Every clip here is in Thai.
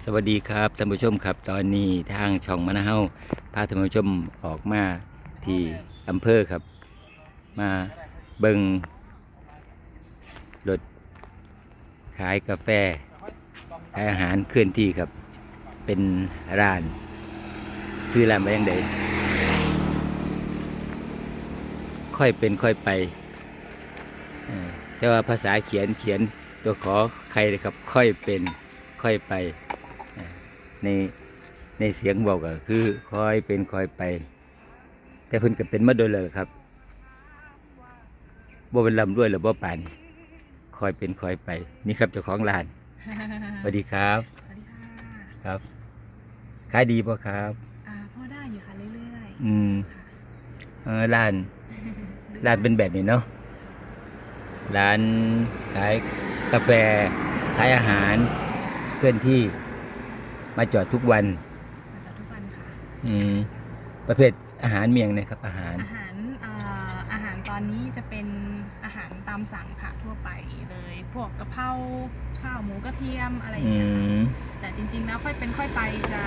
สวัสดีครับท่านผู้ชมครับตอนนี้ทางช่องมะนาวพาท่านผู้ชมออกมาที่อำเภอครับมาเบิงรถขายกาแฟขายอาหารเคลื่อนที่ครับเป็นร้านซื้อร้านไปยังไงค่อยเป็นค่อยไปแต่ว่าภาษาเขียนตัวขอใครเลยครับค่อยเป็นค่อยไปในเสียงบอกก็คือค่อยเป็นค่อยไปแต่เพิ่นก็เป็นมาโดยเลยครับบ่เป็นลำด้วยหรือบ่ป่านค่อยเป็นค่อยไปนี่ครับเจ้าของร้านสวัสดีครับสวัสดีค่ะครับขายดีป่ะครับพ่อได้อยู่ค่ะเรื่อยๆร้านเป็นแบบนี้เนาะร้านขายกาแฟขายอาหารเคลื่อนที่มาจอดทุกวันมาจากทุกวันค่ะประเภทอาหารเมียงนะครับอาหารตอนนี้จะเป็นอาหารตามสั่งค่ะทั่วไปเลยพวกกะเพราข้าวหมูกระเทียมอะไรอย่างเงี้ยแต่จริงๆแล้วค่อยเป็นค่อยไปจะ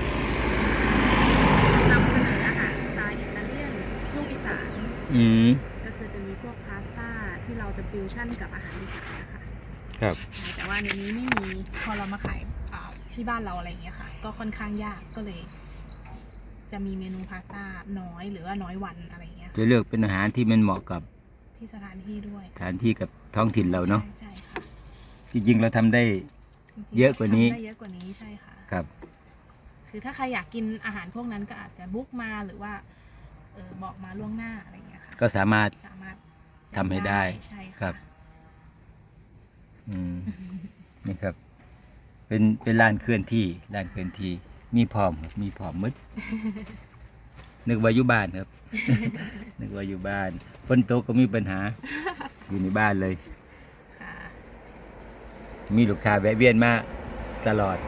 นำเสนออาหารสไตล์อิตาเลียนลูกอีสานก็คือจะมีพวกพาสต้าที่เราจะฟิวชั่นกับอาหารอีสานนะคะครับแต่ว่าในนี้ไม่มีพอเรามาขายที่บ้านเราอะไรอย่างเงี้ยค่ะก็ค่อนข้างยากก็เลยจะมีเมนูพาสต้าน้อยหรือว่าน้อยวันอะไรอย่างเงี้ยจะเลือกเป็นอาหารที่มันเหมาะกับที่สถานที่ด้วยสถานที่กับท้องถิ่นเราเนาะใช่ค่ะจริงๆเราทำได้เยอะกว่านี้ใช่ค่ะครับคือถ้าใครอยากกินอาหารพวกนั้นก็อาจจะบุ๊กมาหรือว่าบอกมาล่วงหน้าอะไรอย่างเงี้ยค่ะก็สามารถทำให้ได้ใช่ครับนี่ครับเป็นร้านเคลื่อนที่มีพร้อมมืดนึกว่าอยู่บ้านครับ นึกว่าอยู่บ้านฝนตกก็มีปัญหาอยู่ในบ้านเลยมีลูกค้าแวะเวียนมาตลอด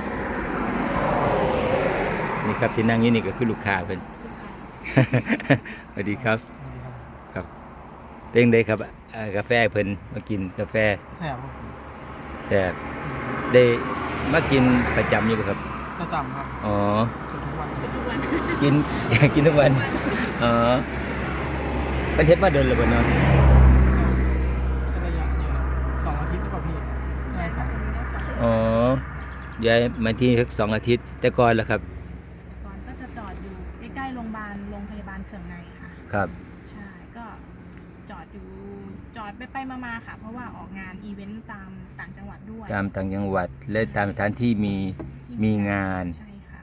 นี่ครับที่นั่งอยู่นี่ก็คือลูกค้าเป็นสวัสดีครับครับเป็นไงครับกาแฟเพิ่นมากินกาแฟแซ่บได้มากินประจำอยู่ครับประจำครับอ๋อทุกวันกินทุกวันอ๋อเป็นเทปมาเดินเลยบ่เนาะใช้ระยะเนี่ย2 อาทิตย์หรือเปล่าพี่ได้2 อ๋อย้ายมาที่สัก2 อาทิตย์แต่ก่อนแล้วครับก่อนก็จะจอดอยู่ใกล้ๆโรงพยาบาลเขื่องในค่ะครับใช่ก็จอดไปมาค่ะเพราะว่าออกงานอีเวนต์ตามต่างจังหวัดด้วยตามต่างจังหวัดและตามสถานที่มีงานใช่ค่ะ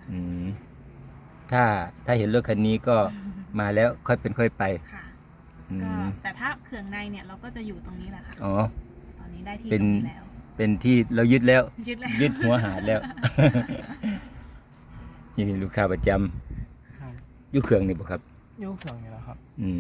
ถ้าเห็นรถคันนี้ก็มาแล้วค่อยเป็นค่อยไปค่ะก็แต่ถ้าเขื่องในเนี่ยเราก็จะอยู่ตรงนี้แหละค่ะอ๋อตอนนี้ได้ที่ตรงนี้แล้วเป็นที่เรายึดแล้วยึดหัวหาดแล้วนี่ลูกค้าประจำอยู่เขื่องนี่ป่ะครับอยู่เขื่องนี่แหละครับ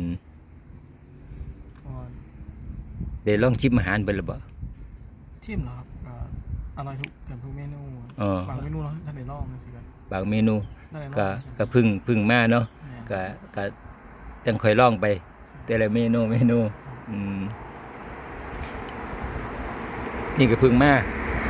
เดี๋ยวลองชิมอาหารเป็นหรือเปล่าชิมเหรอครับอร่อยเกือบทุกเมนูบางเมนูเราท่านได้ลองสิครับบางเมนูก็พึ่งมาเนาะก็จังค่อยลองไปแต่ละเมนูนี่ก็พึ่งมา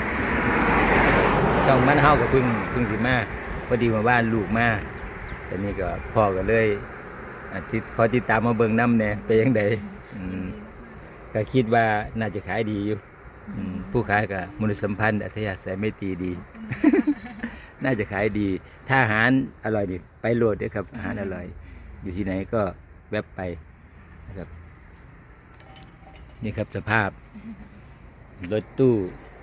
ช่องมันเฮากับพึ่งสิมาพอดีมาบ้านลูกมาแต่นี่ก็พ่อก็เลยขอติดตามมาเบิ่งน้ำเนี่ยไปยังไงก็คิดว่าน่าจะขายดีอยู่ผู้ขายกับมนุษยสัมพันธ์อัธยาศัยไม่ตรีดี น่าจะขายดีถ้าอาหารอร่อยนี่ไปโหลดด้วยครับอาหารอร่อยอยู่ที่ไหนก็แวบไปนะครับนี่ครับสภาพรถตู้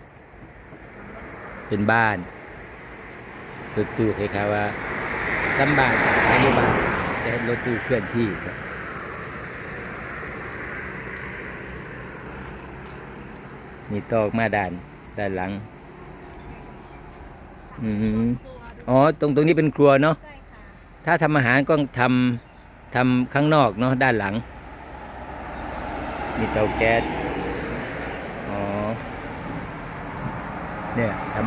เป็นบ้านรถตู้คล้ายๆว่าซ้ำบ้านขายอยู่บ้านแต่รถตู้เคลื่อนที่ครับนี่ตอกมาด้านหลังอ๋อตรงนี้เป็นครัวเนาะถ้าทำอาหารก็ทำข้างนอกเนาะด้านหลังมีเตาแก๊สอ๋อเนี่ย